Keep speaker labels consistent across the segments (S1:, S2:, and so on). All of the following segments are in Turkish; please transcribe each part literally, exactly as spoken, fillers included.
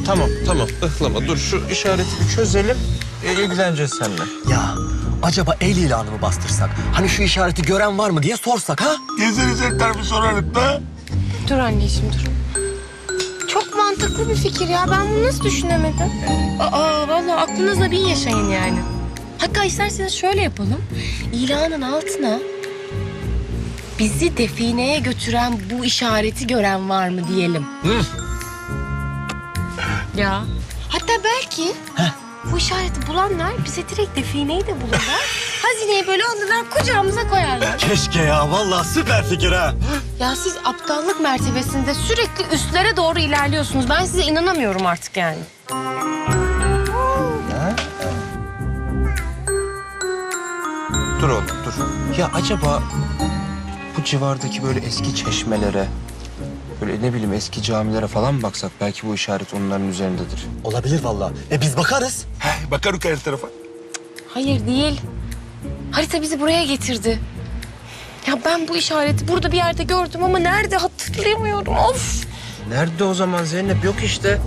S1: tamam, tamam. Ihlama. Dur şu işareti bir çözelim. E, ilgileneceğiz seninle.
S2: Ya acaba el ilanı mı bastırsak? Hani şu işareti gören var mı diye sorsak ha?
S3: Gezeriz etler bir sorarım da.
S4: Dur anneciğim dur. Çok mantıklı bir fikir ya. Ben bunu nasıl düşünemedim? Aa vallahi aklınızla bin yaşayın yani. Hatta isterseniz şöyle yapalım. İlanın altına bizi defineye götüren bu işareti gören var mı diyelim.
S2: Hı.
S4: Ya. Hatta belki bu işareti bulanlar bize direkt defineyi de bulurlar. Hazineyi böyle alırlar kucağımıza koyarlar.
S2: Keşke ya. Vallahi süper fikir ha.
S4: Ya siz aptallık mertebesinde sürekli üstlere doğru ilerliyorsunuz. Ben size inanamıyorum artık yani.
S1: Dur oğlum, dur. Ya acaba bu civardaki böyle eski çeşmelere, böyle ne bileyim eski camilere falan mı baksak? Belki bu işaret onların üzerindedir.
S2: Olabilir vallahi. E biz bakarız.
S3: He, bakarım her tarafa.
S4: Hayır değil. Harita bizi buraya getirdi. Ya ben bu işareti burada bir yerde gördüm ama nerede hatırlayamıyorum. Of.
S1: Nerede o zaman Zeynep? Yok işte.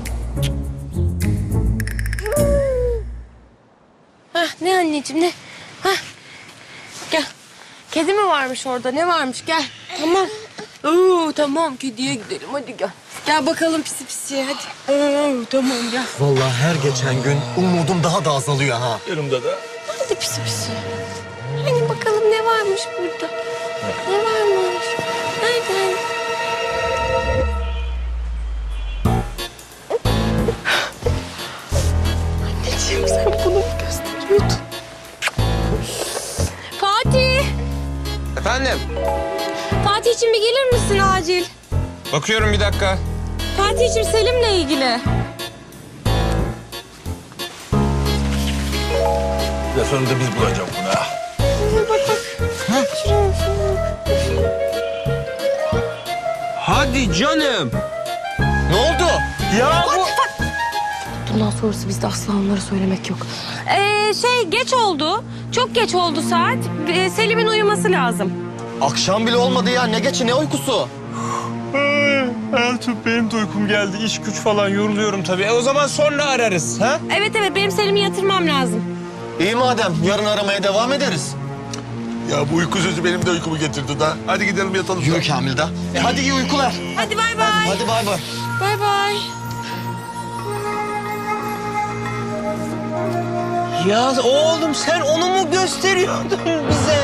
S4: Heh, ne anneciğim ne? Heh. Gel. Kedi mi varmış orada? Ne varmış? Gel. Tamam. Oo, tamam kediye gidelim hadi gel. Gel bakalım pisi pisi hadi. Oo, tamam gel.
S2: Vallahi her geçen gün umudum daha da azalıyor ha.
S3: Yanımda da.
S4: Hadi pisi pisi. Hani bakalım ne varmış burada? Ne varmış? Nerede? Anneciğim sen bunu mu gösteriyordun? Fatih!
S1: Efendim?
S4: Fatih'cim bir gelir misin acil?
S1: Bakıyorum bir dakika.
S4: Fatih'cim Selim'le ilgili.
S3: Ya sonunda biz bulacağız bunu ha.
S4: Bak bak. Şuraya, şuraya.
S1: Hadi canım.
S2: Ne oldu? Ya bu...
S4: Bundan sonrası bizde asla onlara söylemek yok. Ee, şey geç oldu. Çok geç oldu saat. Ee, Selim'in uyuması lazım.
S2: Akşam bile olmadı ya. Ne geçi ne uykusu?
S1: Eltup benim de uykum geldi. İş güç falan yoruluyorum tabii. E o zaman sonra ararız. Ha?
S4: Evet evet benim Selim'i yatırmam lazım.
S2: İyi madem. Yarın aramaya devam ederiz.
S3: Ya bu uyku sözü benim de uykumu getirdi da. Hadi gidelim yatalım.
S2: Yürü Kamil de. E hadi iyi uykular.
S4: Hadi bay bay.
S2: Hadi bay bay.
S4: Bay bay.
S1: Ya oğlum sen onu mu gösteriyordun bize?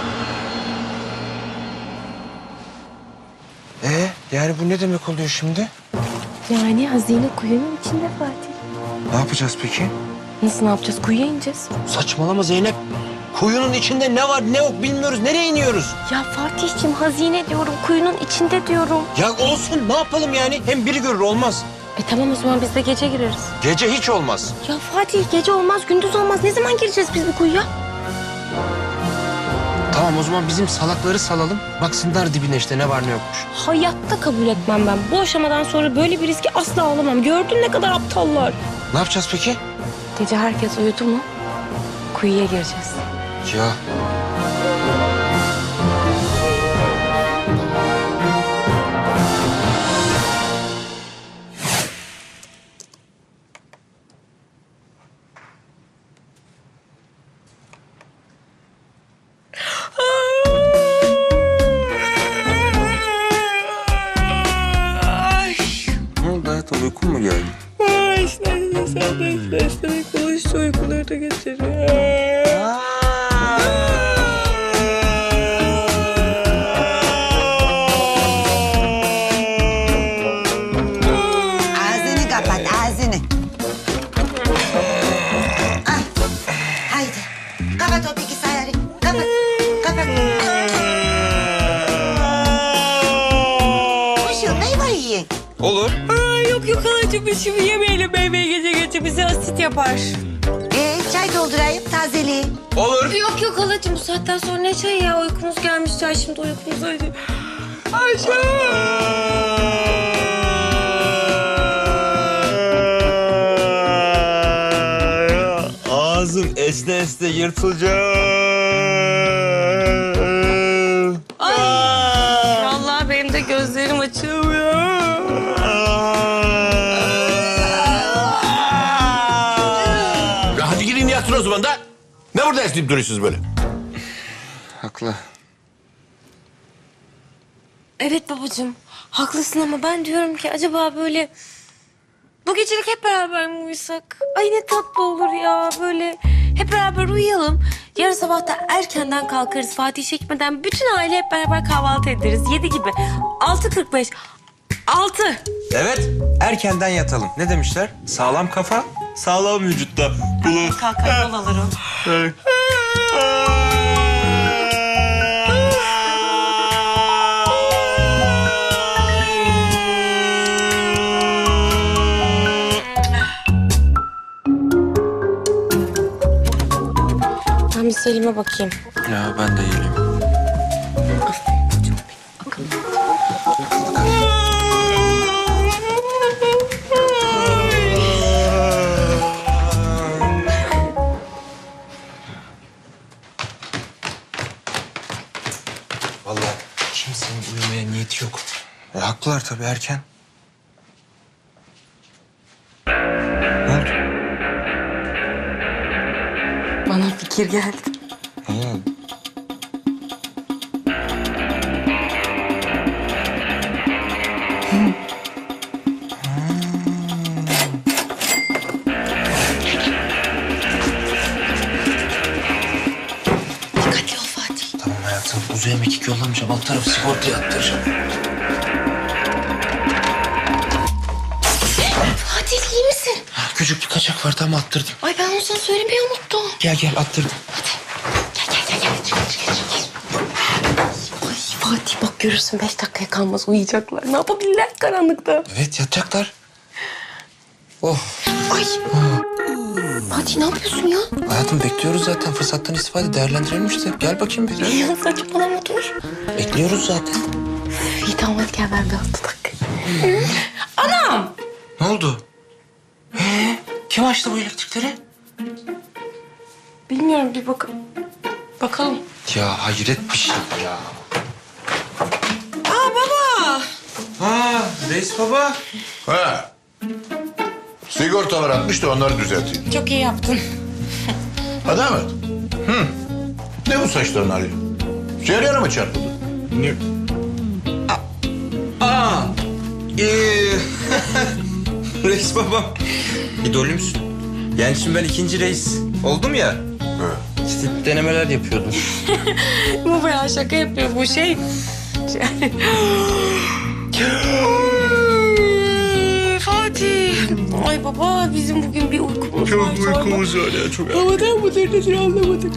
S1: Ee, yani bu ne demek oluyor şimdi?
S4: Yani hazine kuyunun içinde Fatih.
S1: Ne yapacağız peki?
S4: Nasıl ne yapacağız? Kuyuya ineceğiz.
S1: Saçmalama Zeynep. Kuyunun içinde ne var ne yok bilmiyoruz. Nereye iniyoruz?
S4: Ya Fatih'cim hazine diyorum. Kuyunun içinde diyorum.
S1: Ya olsun ne yapalım yani? Hem biri görür olmaz.
S4: E tamam o zaman biz de gece gireriz.
S1: Gece hiç olmaz.
S4: Ya Fatih gece olmaz, gündüz olmaz. Ne zaman gireceğiz biz bu kuyuya?
S1: Tamam o zaman bizim salakları salalım. Baksınlar dibine işte ne var ne yokmuş.
S4: Hayatta kabul etmem ben. Bu aşamadan sonra böyle bir riski asla alamam. Gördün ne kadar aptallar.
S1: Ne yapacağız peki?
S4: Gece herkes uyudu mu? Kuyuya gireceğiz.
S1: Ya ne oldu hayatım uykun mu geldi?
S4: İşte sen de beslemek oluştu uykuları da getiriyor.
S5: Ağzını kapat, ağzını. Ah, haydi. Kapat o bilgisayarı. Kapat, kapat. Kuşum, meyve yiyin.
S1: Olur.
S4: Aa, yok yok halacığım biz şimdi yemeyelim meyveyi gece gece bize asit yapar.
S5: Ee, çay doldurayım, tazeli.
S1: Olur.
S4: Yok yok halacığım bu saatten sonra ne çay ya uykumuz gelmiş çay şimdi uykumuz öyle.
S1: Ağzım esne esne yırtılacak.
S4: Ay. Vallahi benim de gözlerim açılmıyor.
S3: zaman da. Ne burada esneyip duruyorsunuz böyle?
S1: Haklı.
S4: Evet babacığım, haklısın ama ben diyorum ki acaba böyle bu gecelik hep beraber mi uyusak? Ay ne tatlı olur ya böyle hep beraber uyuyalım. Yarın sabah da erkenden kalkarız Fatih çekmeden bütün aile hep beraber kahvaltı ederiz. Yedi gibi. Altı kırk beş. Altı.
S1: Evet, erkenden yatalım. Ne demişler? Sağlam kafa, sağlam vücutta.
S4: Kalkar yol alırım. Ben bir Selim'e bakayım.
S1: Ya ben de iyiyim. Vallahi kimsenin uyumaya niyeti yok. E, haklılar tabii erken. Ne oldu?
S4: Bana fikir geldi.
S1: Ha.
S4: Dikkatli ol Fatih.
S1: Tamam hayatım. Uzaya mekik yollamayacağım. Alt tarafı sigortaya attıracağım.
S4: Fatih iyi misin?
S1: Ha, küçük bir kaçak var tam attırdım.
S4: Ay ben onu sana söylemeyi unuttum.
S1: Gel gel attırdım.
S4: Gel gel gel gel. Çık, çık, çık. Ay Fatih bak görürsün beş dakikaya kalmaz uyuyacaklar. Ne yapabilirler karanlıkta?
S1: Evet yatacaklar. Oh.
S4: Ay. Fatih ne yapıyorsun ya?
S1: Hayatım bekliyoruz zaten. Fırsattan istifade değerlendirelim işte. Gel bakayım bir.
S4: Ya saçmalama dur.
S1: Bekliyoruz zaten.
S4: İyi tamam hadi gel ben bir altı dakika. Anam.
S1: Ne oldu? Ee, kim açtı bu elektrikleri?
S4: Bilmiyorum bir bakalım. Bakalım.
S1: Ya hayret bir şey ya.
S4: Aa baba.
S1: Ha reis baba.
S3: Ha. Sigortalar atmış da onları düzelteyim.
S4: Çok iyi yaptın.
S3: Hadi Ahmet. Hı. Ne bu saçların hali? Ceryana mı çarpıldı?
S1: Ne? Aa. Ee, reis babam. İdolümsün. Yani şimdi ben ikinci reis oldum ya.
S3: Evet.
S1: İşte denemeler yapıyordum.
S4: Bu bayağı şaka yapıyor bu şey. Yani... Ay, Fatih. Ay baba bizim bugün bir uykumuz var.
S3: Çok uykumuz var ya çok.
S4: Havadan mıdır nedir anlamadık.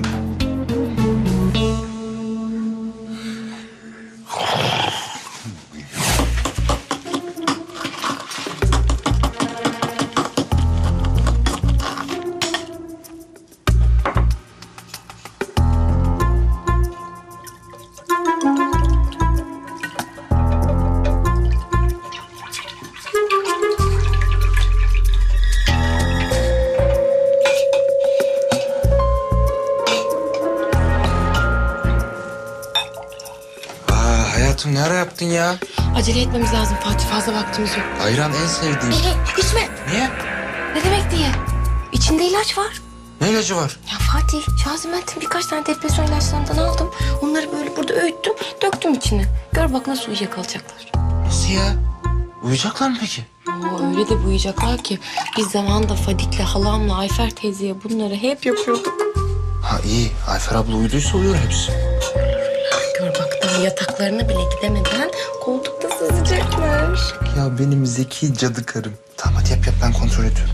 S1: Aa hayatım ne ara yaptın ya?
S4: Acele etmemiz lazım Fatih fazla vaktimiz yok.
S1: Ayran en sevdiğim.
S4: Ee, içme.
S1: Niye?
S4: Ne demek diye? İçinde ilaç var.
S1: Ne ilacı var?
S4: Ya Fatih, Şazimet'in birkaç tane depresyon ilaçlarından aldım. Onları böyle burada öğüttüm, döktüm içine. Gör bak nasıl uyuyakalacaklar.
S1: Nasıl ya? Uyuyacaklar mı peki?
S4: Oo, öyle de uyuyacaklar ki biz zamanında Fadik'le, halamla, Ayfer teyzeye bunları hep yapıyorduk.
S1: Ha iyi. Ayfer abla uyuduysa uyur hepsi.
S4: Gör bak daha yataklarına bile gidemeden koltukta sızacaklar.
S1: Ya benim zeki cadı karım. Tamam hadi yap yap ben kontrol ediyorum.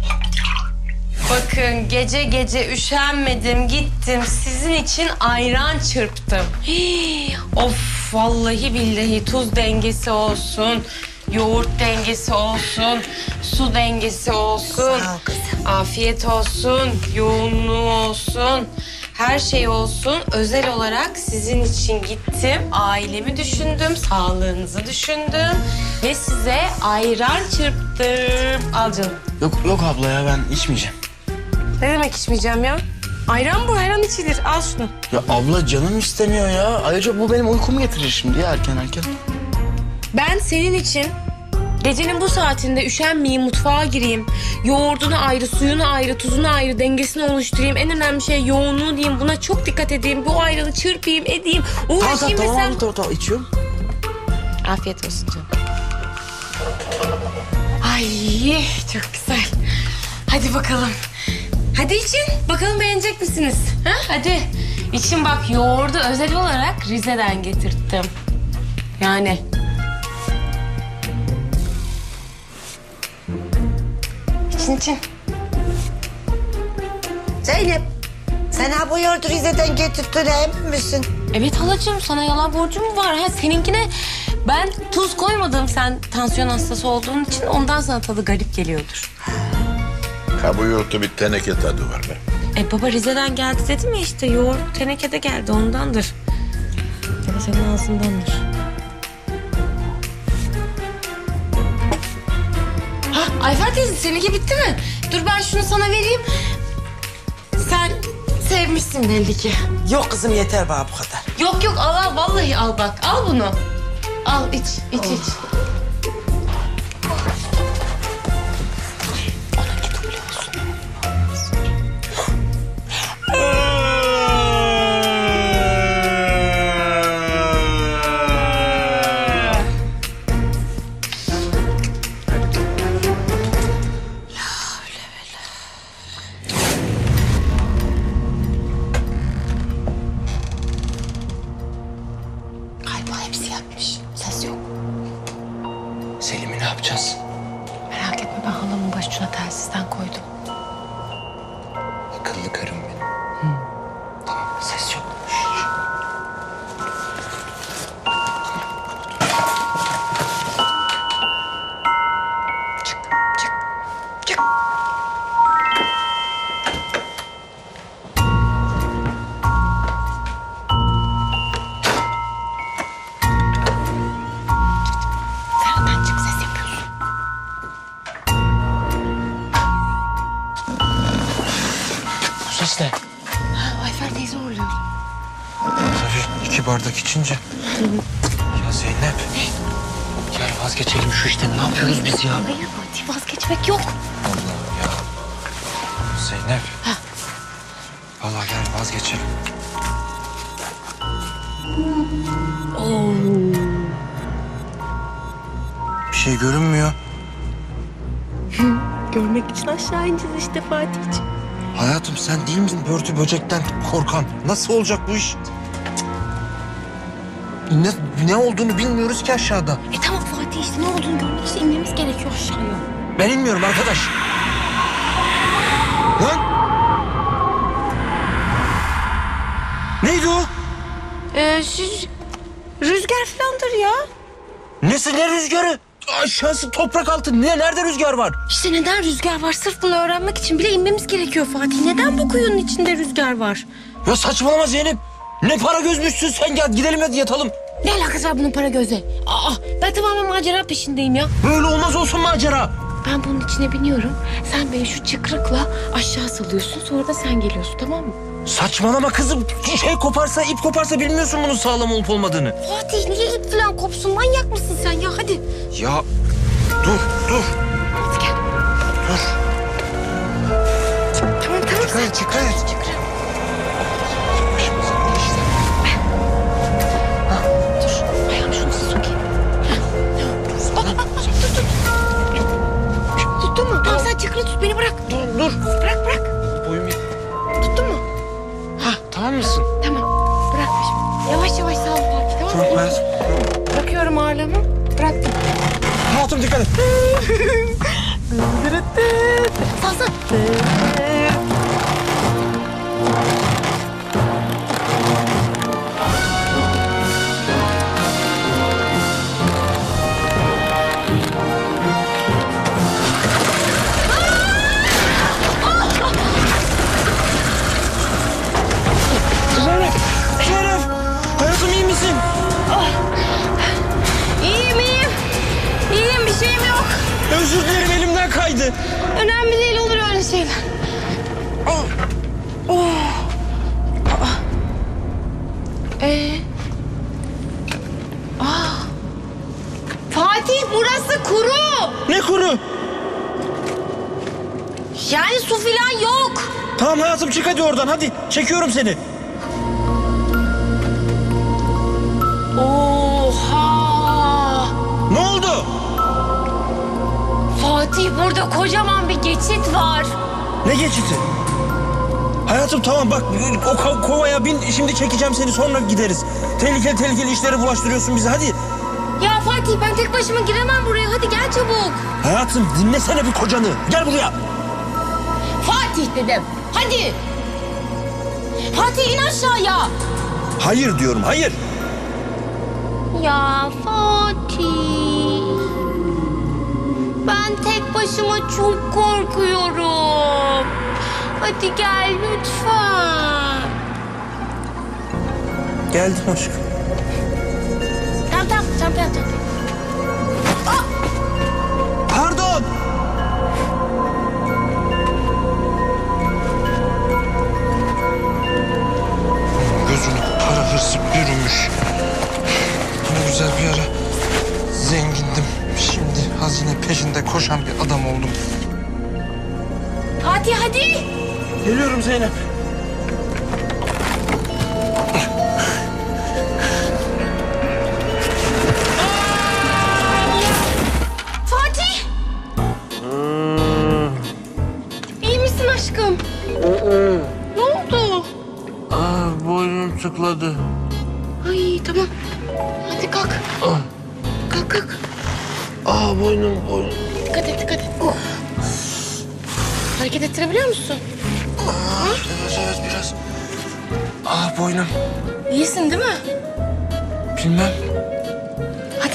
S4: Bakın gece gece üşenmedim gittim sizin için ayran çırptım. Hii, of vallahi billahi tuz dengesi olsun, yoğurt dengesi olsun, su dengesi olsun.
S5: Sağ ol kızım.
S4: Afiyet olsun, yoğunluğu olsun. Her şey olsun. Özel olarak sizin için gittim. Ailemi düşündüm, sağlığınızı düşündüm. Ve size ayran çırptım. Al canım.
S1: Yok yok abla ya ben içmeyeceğim.
S4: Ne demek içmeyeceğim ya? Ayran bu, ayran içilir. Al şunu.
S2: Ya abla canım istemiyor ya. Ayrıca bu benim uykumu getirir şimdi ya erken erken.
S4: Ben senin için Gecenin bu saatinde üşenmeyeyim, mutfağa gireyim. Yoğurdunu ayrı, suyunu ayrı, tuzunu ayrı, dengesini oluşturayım. En önemli şey yoğunluğu diyeyim. Buna çok dikkat edeyim. Bu ayranı çırpayım, edeyim.
S2: Tamam
S4: Uğraşayım
S2: tamam
S4: desem.
S2: tamam, tamam, tamam içiyorum.
S4: Afiyet olsun canım. Ay çok güzel. Hadi bakalım. Hadi için. Bakalım beğenecek misiniz? Ha? Hadi. İçin bak, yoğurdu özel olarak Rize'den getirttim. Yani. İçin için.
S5: Zeynep, sen ha bu yoğurdu Rize'den getirdin emin misin?
S4: Evet halacığım, sana yalan borcum mu var? Ha, seninkine ben tuz koymadım. Sen tansiyon hastası olduğun için ondan sana tadı garip geliyordur.
S3: Ha bu yoğurtta bir teneke tadı var be.
S4: E baba Rize'den geldi dedim ya işte, yoğurt tenekede geldi ondandır. Ya da senin ağzındandır. Ha Ayfer teyze, seninki bitti mi? Dur ben şunu sana vereyim. Sen sevmişsin belli ki.
S6: Yok kızım yeter bana bu kadar.
S4: Yok yok al al, vallahi al bak, al bunu. Al iç iç iç. Galiba hepsi yatmış. Ses yok.
S1: Selim'i ne yapacağız?
S4: Merak etme, ben halamın başucuna telsizden koydum.
S1: Akıllı karım benim. Tamam, ses yok.
S4: Çık çık çık. Sen çık, ses yapıyorsun.
S1: Bu ses ne?
S4: Ha, Ayfer teyze uğurluyor.
S1: Tabii iki bardak içince. Ya Zeynep. Ya vazgeçelim şu işten. Ne yapıyoruz biz ya?
S4: Hayır Fatih, vazgeçmek yok.
S1: Allah'ım ya. Zeynep. Vallahi gel vazgeçelim. Bir şey görünmüyor.
S4: Görmek için aşağı ineceğiz işte Fatih'ciğim.
S1: Hayatım sen değil misin börtü böcekten korkan? Nasıl olacak bu iş? Ne, ne olduğunu bilmiyoruz ki aşağıda.
S4: E tamam Fatih, işte ne olduğunu görmek için inmemiz gerekiyor aşağıya.
S1: Ben inmiyorum arkadaş. Lan! Neydi o?
S4: Ee, siz... Rüzgar falandır ya.
S1: Nesi ne rüzgarı? Aşağısı toprak altı. Ne, nerede rüzgar var?
S4: İşte neden rüzgar var? Sırf bunu öğrenmek için bile inmemiz gerekiyor Fatih. Neden bu kuyunun içinde rüzgar var?
S1: Ya saçmalama Zeynep. Ne para gözmüşsün sen, gel gidelim hadi yatalım.
S4: Ne alakası var bunun para göze? Aa, ben tamamen macera peşindeyim ya.
S1: Böyle olmaz olsun macera.
S4: Ben bunun içine biniyorum. Sen beni şu çıkrıkla aşağı salıyorsun. Sonra da sen geliyorsun, tamam mı?
S1: Saçmalama kızım. Şey koparsa, ip koparsa bilmiyorsun bunun sağlam olup olmadığını.
S4: Fatih niye ip falan kopsun? Manyak mısın sen ya? Hadi.
S1: Ya dur dur
S4: Hadi gel.
S1: dur.
S4: Tamam tamam.
S1: Çıkar
S4: sen
S1: çıkar.
S4: çıkar.
S1: Başımıza ne işte.
S4: Dur. Ayağımı şunu sokayım. Hah, tamam. Bak bak bak. Dur dur. Tuttun mu? Tamam sen çıkrı tut. Beni bırak.
S1: Dur dur.
S4: Bırak bırak.
S1: Boyum yet-
S4: Tuttun mu?
S1: Hah tamam mısın?
S4: Tamam. Bırak şimdi. Yavaş yavaş sağ ol Fatih, tamam mı?
S1: Tamam hayatım.
S4: Bırakıyorum ağırlığımı. Bıraktım.
S1: Hayatım dikkat et.
S4: Sağ sağ.
S1: Zeynep. Zeynep. Hayatım iyi misin?
S4: İyiyim iyiyim. İyiyim, bir şeyim yok.
S1: Özür dilerim elimden kaydı.
S4: Önemli değil, olur öyle şeyler. Oh. Oh. Aa. Ee? Aa. Fatih burası kuru. Yani su filan yok.
S1: Tamam hayatım çık hadi oradan hadi. Çekiyorum seni.
S4: Oha!
S1: Ne oldu?
S4: Fatih burada kocaman bir geçit var.
S1: Ne geçiti? Hayatım tamam bak o ko- kovaya bin şimdi çekeceğim seni sonra gideriz. Tehlikeli tehlikeli işlere bulaştırıyorsun bizi hadi.
S4: Ya Fatih ben tek başıma giremem buraya. Hadi gel çabuk.
S1: Hayatım dinlesene bir kocanı. Gel buraya.
S4: Fatih dedim. Hadi. Fatih in aşağıya.
S1: Hayır diyorum hayır.
S4: Ya Fatih. Ben tek başıma çok korkuyorum. Hadi gel lütfen.
S1: Geldim aşkım.
S4: Tamam tamam tamam tamam. tamam.
S1: Pardon. Gözünü para hırsı bürümüş. Ne güzel bir ara zengindim. Şimdi hazine peşinde koşan bir adam oldum.
S4: Fatih hadi.
S1: Geliyorum Zeynep.
S4: Fatih. İyi misin aşkım? Ne oldu?
S3: Aa, boynum tıkladı.
S4: Ay tamam. Hadi kalk. Kalk kalk.
S3: Aa, boynum, boynum.
S4: Dikkat et dikkat et. Hareket ettirebiliyor musun?
S1: Evet evet biraz. Ah boynum.
S4: İyisin değil mi?
S1: Bilmem.
S4: Hadi.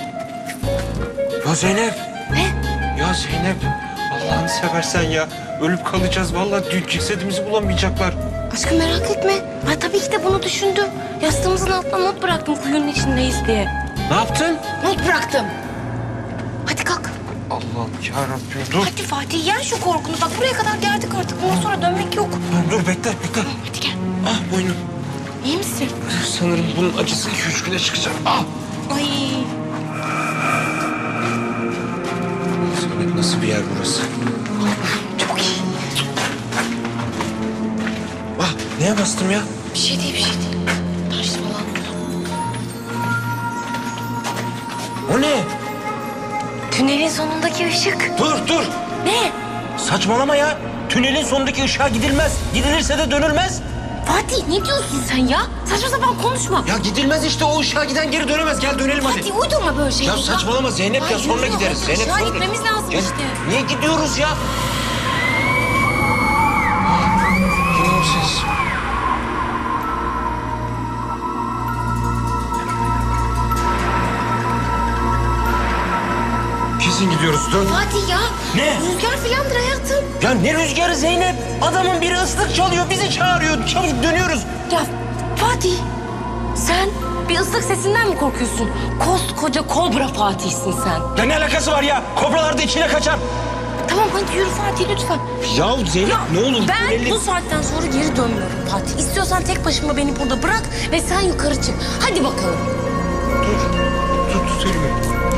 S1: Ya Zeynep.
S4: Ne?
S1: Ya Zeynep. Allah'ını seversen ya. Ölüp kalacağız. Vallahi dün cesedimizi bulamayacaklar.
S4: Aşkım merak etme. Ben tabii ki de bunu düşündüm. Yastığımızın altına not bıraktım kuyunun içindeyiz diye.
S1: Ne yaptın?
S4: Not bıraktım. Hadi kalk.
S1: Allah'ım yarabbim dur.
S4: Hadi Fatih yen şu korkunu. Bak buraya kadar geldik artık. Bundan sonra dönmek yok.
S1: Tamam, dur bekle bekle.
S4: Hadi gel.
S1: Ah boynum.
S4: İyi misin?
S1: Sanırım bunun acısı iki üç güne çıkacak. Ah.
S4: Ay.
S1: Zeynep nasıl bir yer burası?
S4: Çok iyi.
S1: Ah neye bastım ya?
S4: Bir şey değil bir şey değil. Taş falan.
S1: O ne?
S4: Tünelin sonundaki ışık.
S1: Dur dur.
S4: Ne?
S1: Saçmalama ya. Tünelin sonundaki ışığa gidilmez. Gidilirse de dönülmez.
S4: Fatih ne diyorsun sen ya? Saçma sapan konuşma.
S1: Ya gidilmez işte o ışığa giden geri dönemez. Gel dönelim hadi.
S4: Fatih uydurma böyle şeyleri.
S1: Ya saçmalama Zeynep
S4: Ay,
S1: ya sonra
S4: yürü,
S1: gideriz.
S4: hadi
S1: Zeynep
S4: aşağı
S1: sonra.
S4: gitmemiz lazım
S1: Ya,
S4: işte.
S1: Niye gidiyoruz ya? Yine o ses. Kesin gidiyoruz. Dön.
S4: Fatih ya.
S1: Ne?
S4: Rüzgar filandır hayatım.
S1: Ya ne rüzgarı Zeynep? Adamın biri ıslık çalıyor, bizi çağırıyor. Çabuk dönüyoruz.
S4: Ya Fatih sen bir ıslık sesinden mi korkuyorsun? Koskoca kobra Fatih'sin sen.
S1: Ya ne alakası var ya? Kobralar da içine kaçar.
S4: Tamam hadi yürü Fatih lütfen.
S1: Ya Zeynep ne olur?
S4: Ben
S1: tüneli-
S4: bu saatten sonra geri dönmüyorum Fatih. İstiyorsan tek başıma beni burada bırak ve sen yukarı çık. Hadi bakalım.
S1: Dur. Dur tut elimi.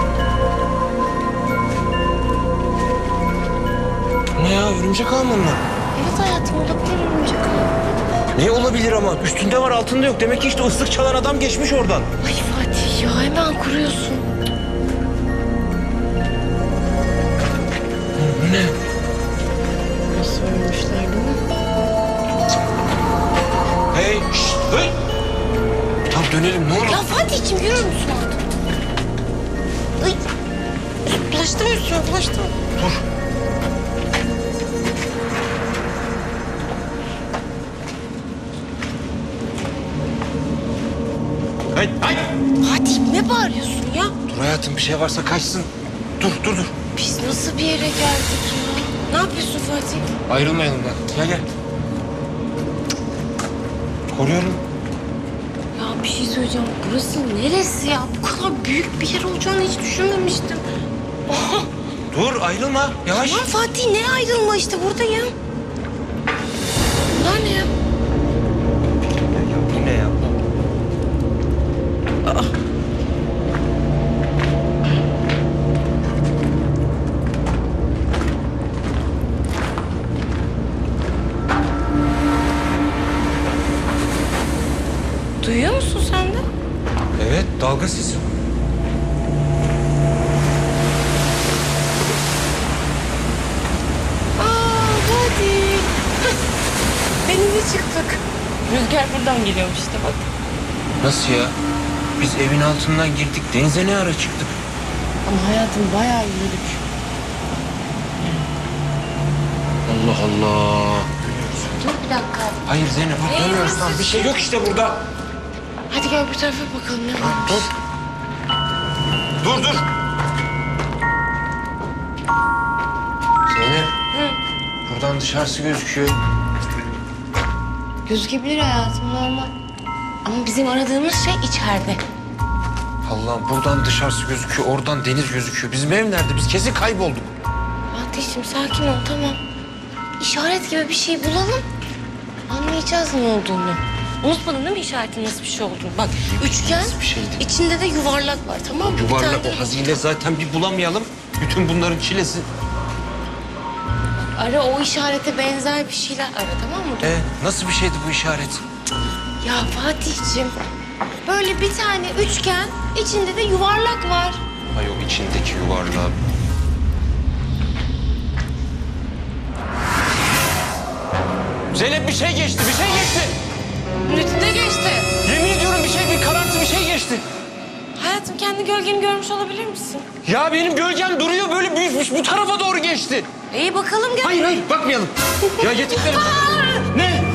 S1: Ne ya örümcek ağı mı onlar?
S4: Evet hayatım olabilir örümcek ağı.
S1: Ne olabilir ama? Üstünde var altında yok. Demek ki işte ıslık çalan adam geçmiş oradan.
S4: Ay Fatih ya hemen kuruyorsun.
S1: Bu ne?
S4: Nasıl ölmüşler değil mi?
S1: Hey şşt hey. Tamam dönelim ne olur.
S4: Ya Fatih'ciğim yürür müsün artık? Ay. Bulaştı mı üstüne bulaştı mı?
S1: Dur. Hay hay.
S4: Fatih ne bağırıyorsun ya?
S1: Dur hayatım bir şey varsa kaçsın. Dur dur dur.
S4: Biz nasıl bir yere geldik ya? Ne yapıyorsun Fatih?
S1: Ayrılmayalım da. Gel gel. Koruyorum.
S4: Ya bir şey söyleyeceğim. Burası neresi ya? Bu kadar büyük bir yer olacağını hiç düşünmemiştim. Oha!
S1: Dur ayrılma. Yavaş.
S4: Tamam Fatih ne ayrılma işte buradayım. Bunlar ne ya?
S1: Ya bu ne ya? Dalga sesi.
S4: Aa hadi. Denize çıktık. Rüzgar buradan geliyormuş işte bak.
S1: Nasıl ya? Biz evin altından girdik. Denize ne ara çıktık?
S4: Ama hayatım bayağı yürüdük.
S1: Allah Allah.
S4: Dur bir dakika.
S1: Hayır Zeynep, bak
S4: Ee,
S1: dönüyoruz
S4: nasıl
S1: lan. Bir şey yok işte burada.
S4: Hadi gel bu tarafa bakalım ne varmış.
S1: Dur. Dur dur. Zeynep. Buradan dışarısı gözüküyor.
S4: Gözükebilir hayatım normal. Ama bizim aradığımız şey içeride.
S1: Allah'ım buradan dışarısı gözüküyor, oradan deniz gözüküyor. Bizim ev nerede? Biz kesin kaybolduk.
S4: Fatih'ciğim sakin ol tamam. İşaret gibi bir şey bulalım. Anlayacağız ne olduğunu. Unutmadın değil mi işaretin nasıl bir şey olduğunu? Bak üçgen,
S1: Nasıl bir şeydi?
S4: içinde de yuvarlak var tamam mı? Bir
S1: Yuvarlak
S4: tane de-
S1: o hazine zaten bir bulamayalım. Bütün bunların çilesi.
S4: Ara o işarete benzer bir şeyler ara tamam mı?
S1: Ee, nasıl bir şeydi bu işaret?
S4: Ya Fatih'ciğim böyle bir tane üçgen, içinde de yuvarlak var.
S1: Ay o içindeki yuvarlağı. Zeynep bir şey geçti, bir şey geçti.
S4: Ne geçti?
S1: Yemin ediyorum bir şey, bir karartı bir şey geçti.
S4: Hayatım kendi gölgeni görmüş olabilir misin?
S1: Ya benim gölgem duruyor böyle büyütmüş bu tarafa doğru geçti.
S4: İyi bakalım gel.
S1: Hayır hayır bakmayalım. Ya yetiklerim. Ne?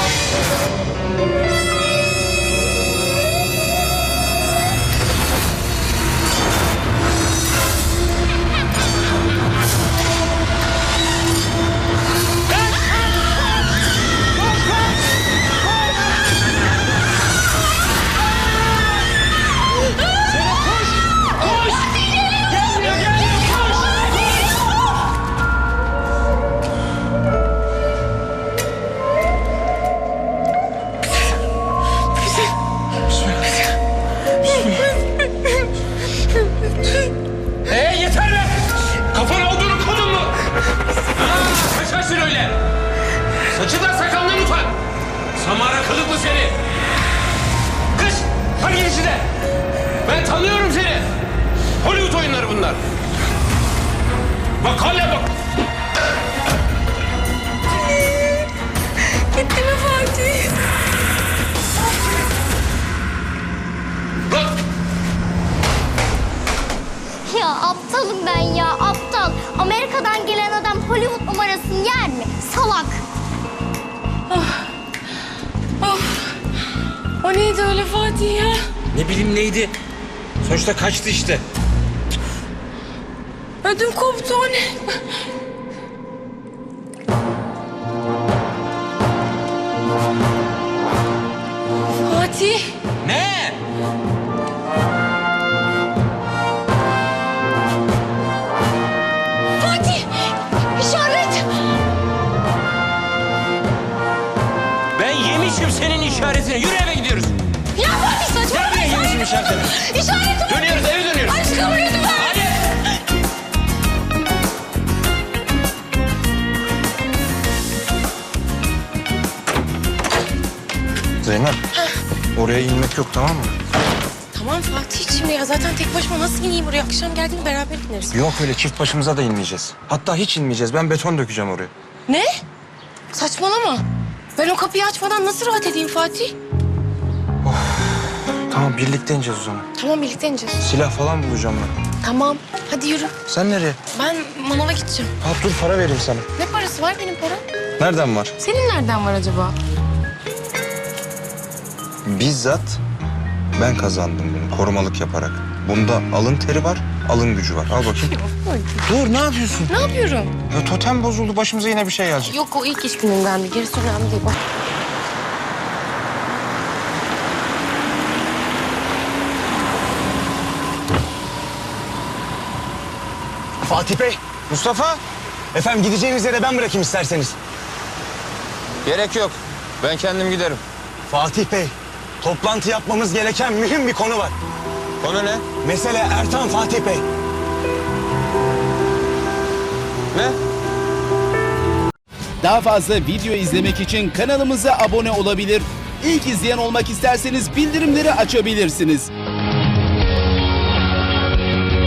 S1: Ee yeter be! Kafan olduğunu kodun mu? Ha, kaçarsın öyle. Saçından sakalından utan. Samara kılıklı seni. Kız, hadi gir içine. Ben tanıyorum seni. Hollywood oyunları bunlar. Bak hala bak.
S4: Gitti mi Fatih?
S1: Bak.
S7: Ya aptalım ben ya aptal. Amerika'dan gelen adam Hollywood numarasını yer mi? Salak.
S4: O neydi öyle Fatih ya?
S1: Ne bileyim neydi? Sonuçta kaçtı işte.
S4: Ödüm koptu o ne? Fatih.
S1: Ne?
S4: Fatih. İşaret.
S1: Ben yemişim senin işaretini. Yürü eve gidiyoruz.
S4: Ya Fatih saçmalama.
S1: Nereye yemişim işaretini?
S4: İşaret.
S1: Dönüyoruz eve dönüyoruz.
S4: Aşkım lütfen.
S1: Hadi. Zeynep. Oraya inmek yok tamam mı?
S4: Tamam Fatih'ciğim ya zaten tek başıma nasıl ineyim oraya? Akşam geldiğinde beraber ineriz.
S1: Yok öyle çift başımıza da inmeyeceğiz. Hatta hiç inmeyeceğiz. Ben beton dökeceğim oraya.
S4: Ne? Saçmalama. Ben o kapıyı açmadan nasıl rahat edeyim Fatih?
S1: Tamam birlikte ineceğiz o zaman.
S4: Tamam birlikte ineceğiz.
S1: Silah falan bulacağım ben.
S4: Tamam. Hadi yürü.
S1: Sen nereye?
S4: Ben manava gideceğim.
S1: Ha dur para vereyim sana.
S4: Ne parası var benim param?
S1: Nereden var?
S4: Senin nereden var acaba?
S1: Bizzat ben kazandım bunu korumalık yaparak. Bunda alın teri var, alın gücü var. Al bakayım. Dur ne yapıyorsun?
S4: Ne yapıyorum?
S1: Ya totem bozuldu başımıza yine bir şey gelecek.
S4: Yok o ilk iş günündendi. Gerisi önemli değil. Bak.
S2: Fatih Bey,
S1: Mustafa.
S2: efendim gideceğiniz yere ben bırakayım isterseniz.
S1: Gerek yok. Ben kendim giderim.
S2: Fatih Bey, toplantı yapmamız gereken mühim bir konu var.
S1: Konu ne?
S2: Mesele Ertan Fatih Bey.
S1: Ne?
S8: Daha fazla video izlemek için kanalımıza abone olabilir. İlk izleyen olmak isterseniz bildirimleri açabilirsiniz.